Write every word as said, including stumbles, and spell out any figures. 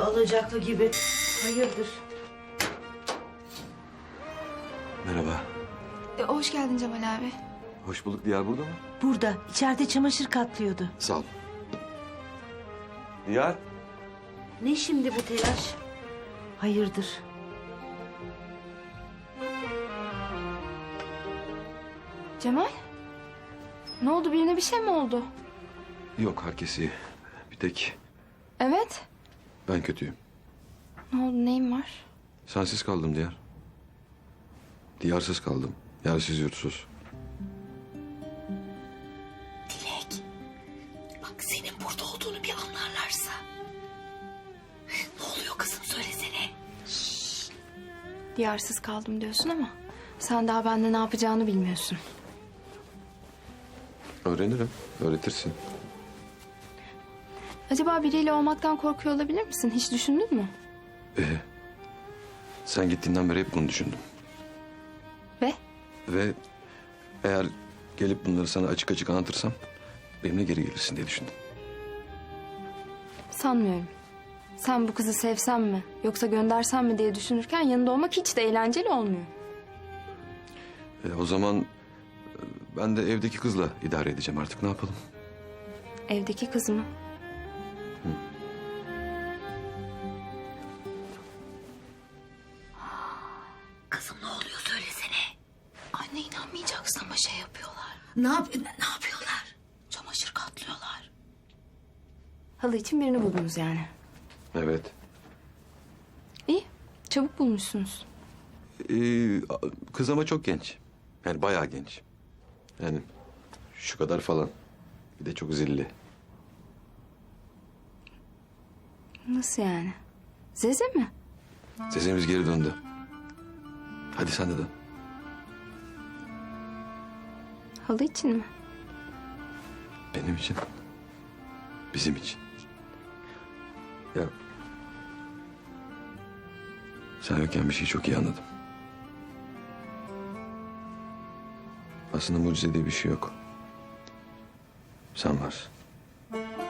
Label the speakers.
Speaker 1: alacaklı gibi. Hayırdır?
Speaker 2: Merhaba.
Speaker 3: E, hoş geldin Cemal abi.
Speaker 2: Hoş bulduk. Diyar burada mı?
Speaker 1: Burada. İçeride çamaşır katlıyordu.
Speaker 2: Sağ ol. Diyar.
Speaker 1: Ne şimdi bu telaş? Hayırdır?
Speaker 3: Cemal? Ne oldu, birine bir şey mi oldu?
Speaker 2: Yok, herkes iyi. Bir tek
Speaker 3: Evet.
Speaker 2: ben kötüyüm.
Speaker 3: Ne oldu, neyin var?
Speaker 2: Sensiz kaldım Diyar. Diyarsız kaldım. Yersiz yurtsuz.
Speaker 1: Dilek. Bak senin burada olduğunu bir anlarlarsa. Ne oluyor kızım söylesene.
Speaker 3: Diyarsız kaldım diyorsun ama sen daha bende ne yapacağını bilmiyorsun.
Speaker 2: Öğrenirim. Öğretirsin.
Speaker 3: Acaba biriyle olmaktan korkuyor olabilir misin? Hiç düşündün mü?
Speaker 2: Ee, sen gittiğinden beri hep bunu düşündüm.
Speaker 3: Ve?
Speaker 2: Ve eğer gelip bunları sana açık açık anlatırsam benimle geri gelirsin diye düşündüm.
Speaker 3: Sanmıyorum. Sen bu kızı sevsen mi yoksa göndersen mi diye düşünürken yanında olmak hiç de eğlenceli olmuyor.
Speaker 2: Ee, o zaman e, ben de evdeki kızla idare edeceğim artık. Ne yapalım?
Speaker 3: Evdeki kız mı?
Speaker 1: Kızım ne oluyor söylesene.
Speaker 3: Anne inanmayacaksın ama şey yapıyorlar.
Speaker 1: Ne yap ne yapıyorlar?
Speaker 3: Çamaşır katlıyorlar. Halı için birini buldunuz yani.
Speaker 2: Evet.
Speaker 3: İyi. Çabuk bulmuşsunuz.
Speaker 2: Ee, kız ama çok genç. Yani bayağı genç. Yani şu kadar falan. Bir de çok zilli.
Speaker 3: Nasıl yani? Zeze mi?
Speaker 2: Sesimiz geri döndü. Hadi sen de dön.
Speaker 3: Halı için mi?
Speaker 2: Benim için. Bizim için. Ya. Sen yokken bir şeyi çok iyi anladım. Aslında mucize diye bir şey yok. Sen varsın.